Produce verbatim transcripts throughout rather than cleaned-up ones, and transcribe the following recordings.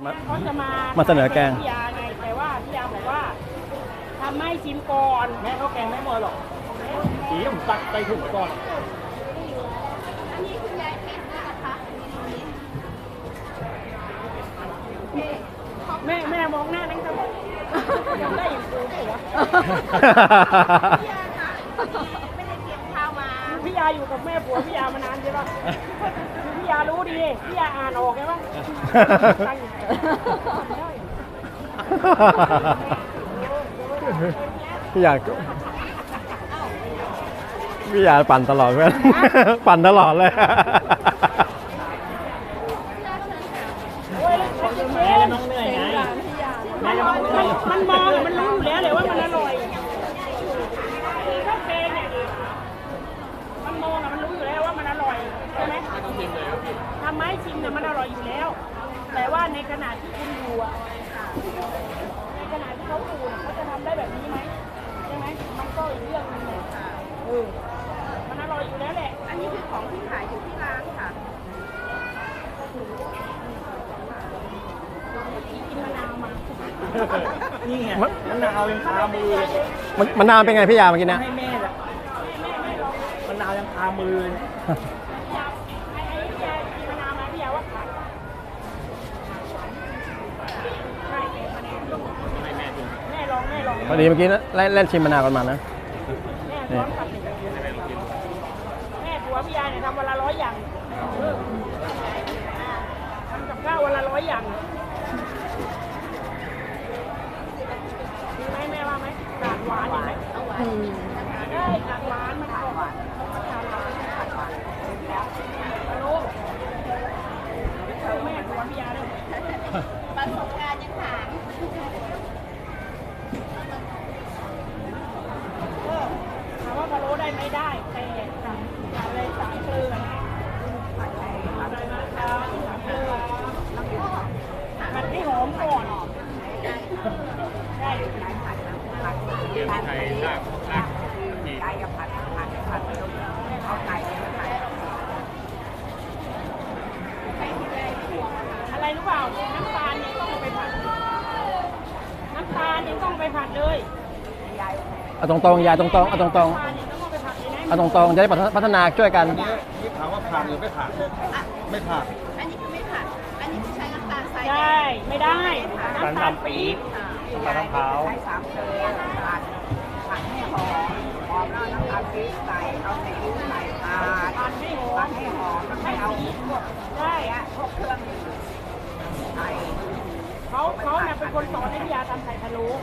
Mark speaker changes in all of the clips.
Speaker 1: เขาจะมา
Speaker 2: มาเสนอแกง
Speaker 1: พี่ยาไงแต่ว่าพี่ยาบอกว่าทำให้ชิมก่อน
Speaker 3: แม่เขาแกงไม่หมดหรอกสีผมตักใส่ถุงก่อน
Speaker 4: อันนี้คุณยายเก็บด้วยนะคะ
Speaker 1: แม่แม่มองหน้านั่งทำมองได้อย่างกูเหรอ
Speaker 4: พี่ยาคะไม่ได้เตรียมข้าวมา
Speaker 1: พี่ยาอยู่กับแม่ผัวพี่ยามานานใช่ปะพี่ยารู้ดีพี่ยาอ่านออกใช่ปะตั้งอยู่ได้
Speaker 2: พี่อยากพี่อยากปั่นตลอดเพื่อนปั่นตลอดเลย
Speaker 1: โอ้ยแม่น้องเหนื่อยไงมันมันมองมันรู้อยู่แล้วเลยว่ามันอร่อยข้าวแกงเนี่ยมันมองอะมันรู้อยู่แล้วว่ามันอร่อยใช่ไหมทำไมชิมเนี่ยมันอร่อยอยู่แล้ว แต่ว่าในขณะที่คุณดูอะในขณะที่เขาดูเนี่ยเขาจะทำได้แบบนี้ไหมใช่ไหมมันก็อีกเรื่องนึงเลยเออมันอร่อยอยู่แล้วแหละ
Speaker 4: อันนี้คือของที่ขายอยู่ที่ร้านค่ะ
Speaker 1: กินมะนาวมา
Speaker 3: นี่ไงมะนาวยังคามือเลย
Speaker 2: มันมันนานเป็นไงพี่ยาเมื่อกี้นะ
Speaker 3: ให้แม่แหละมะนาวยังคามือเลย
Speaker 1: ไอ้ไอ้พี่ยากินมะนาวมาพี่ยาว่าขาดใช่แม่มะนาว
Speaker 3: ให้แม่ดู
Speaker 1: แม่ลองแม่ลอง
Speaker 2: พอดีเมื่อกี้นะเล่นชิมมะนาวกันมานะ
Speaker 1: แม่ซ้อนกลับเลยแม่ผัวพี่ยาเนี่ยทำวันละร้อยอย่างทำกับข้าววันละร้อยอย่างดีไหมแม่ว่าไหมกาดหวานดีไหมได้กาดหวานมันหวานกาดหวานกาดหวานฮัลโหลแม่ผัวพี่ยาเลย
Speaker 4: ประสบการณ์ยังถาม
Speaker 1: ถามว่าพะโล้ได้ไม่ได้แต่สั่งอะไรสามเกลืออะไรนะสามเกลือผัดให้หอมก่อนใช่
Speaker 3: เกี่ยวกับไทยลาบลาบดี
Speaker 4: ไก่กับผัดผัดผัดเอาไก่ผัด
Speaker 1: อะไรรู้เปล่าน้ำตาลยังต้องเอาไปผัดน้ำตาลยังต้องไปผัดเลย
Speaker 2: เอาตรงๆยายตรงๆเอาตรง
Speaker 1: น้ำตาลยังต้องเอาไปผัดเลยนะ
Speaker 2: ๆเอาตรงๆจะได้พัฒนาช่วยกัน
Speaker 3: นี่ถามว่าผ่านหรือไม่ผ่านไม่ผ่าน
Speaker 4: อันนี้คือไม่ผัดอันนี้คือใช้น้ำตาลทราย
Speaker 1: ใช่ไม่ได้น้ำตาลปี๊บ
Speaker 3: มะพร้าว
Speaker 4: ใช้สามเกลือผัดผัดให้หอมหอมแล้วน้ำตาลปี๊บใส่เอาใส่ลิ้นใส่ผัด
Speaker 1: ผัดให้หอ
Speaker 4: ผั
Speaker 1: ม
Speaker 4: ดให้หอมแล้ว
Speaker 1: ให้
Speaker 4: เอา
Speaker 1: สี
Speaker 4: พวก
Speaker 1: ใช่
Speaker 4: พวกเครื่องใส่
Speaker 1: เขาเขาเนี่ยเป็นคนสอนให้พี่ยาทำไข่พะโล้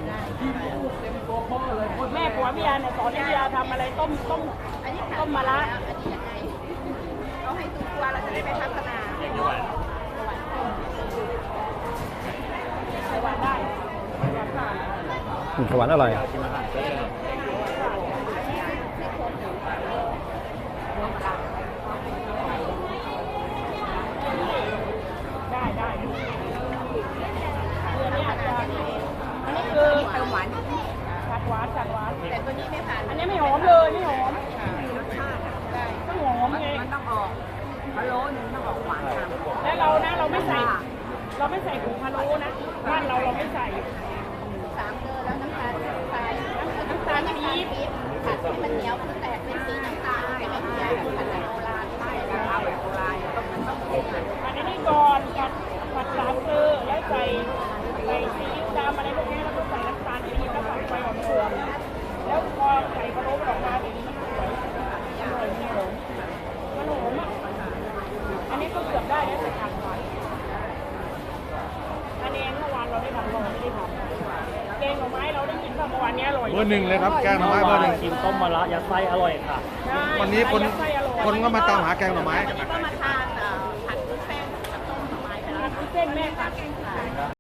Speaker 1: แม่ผัวพี่ยาเนี่ยสอนให้พี่ยาทำอะไรต้มต้ม
Speaker 4: อันนี้
Speaker 1: ต้มมะระ
Speaker 4: อันนี้ยังไงเราให้ทุกตัวเราจะได้ไปพัฒนา
Speaker 3: อย่างนี้ไหว
Speaker 1: ใส่หวานได้
Speaker 2: อืมหวานอร่อย
Speaker 3: กินอาหารเช้า
Speaker 1: ได้ได้คืออันนี้อาจจะอันนี้คือ
Speaker 4: เติมหวาน
Speaker 1: จัดหวานจัดหวาน
Speaker 4: แต่ตัวนี้ไม่ผ่าน
Speaker 1: อันนี้ไม่หอมเลยไม่หอม
Speaker 4: รสชาติได้
Speaker 1: ต้องหอมไง
Speaker 4: มันต้องออกพะโล้หนึ่งต้องออกหวานค่ะ
Speaker 1: แล้วเรานะเราไม่ใส่ เราไม่ใส่ผงพะโล้นะบ้านเราเราไม่ใส่
Speaker 4: สามเกลือแล้วน้ำตาลทรายน้ำตาลปี๊บผัดให้มันเหนียวคือแตกเป็นสีน้ำตาลใช่ไหมพี่ยายผัดแบบโบราณใช่เอาแบบโบราณต้องมันต้องเผ็ด
Speaker 1: ผัดอันนี้ก่อนผัดผัดสามเกลือแล้วใส่ใส่ซีอิ๊วดำอะไรพวกนี้แล้วก็ใส่น้ำตาลปี๊บแล้วผัดไฟอ่อนๆแล้วพอใส่พะโล้ออกมาแบบนี้มันสวยอร่อยมันหอมมันหอมอ่ะอันนี้ก็เกือบได้แล้วแต่ขาดหวานอันนี้เมื่อวานเราได้ทำเราไม่ได้ทำแกงหน่อไม้เราได้กินเมื่อวานนี้อร่อย
Speaker 5: เบอร์หนึ่งเลยครับแกงหน่อไม้เบอร์หนึ่ง
Speaker 3: กินต้มมะระยัดไส้อร่อยค่ะ
Speaker 1: ใช่
Speaker 5: วันนี้คน
Speaker 1: ไส้อร่อย
Speaker 5: คนก็มาตามหาแกงหน่อไม้
Speaker 4: ก็มาทานผัดวุ้นเส้นกับต้มหน่อไม้ไปแล้ว
Speaker 1: ผัดวุ้นเส้นแม่ผัด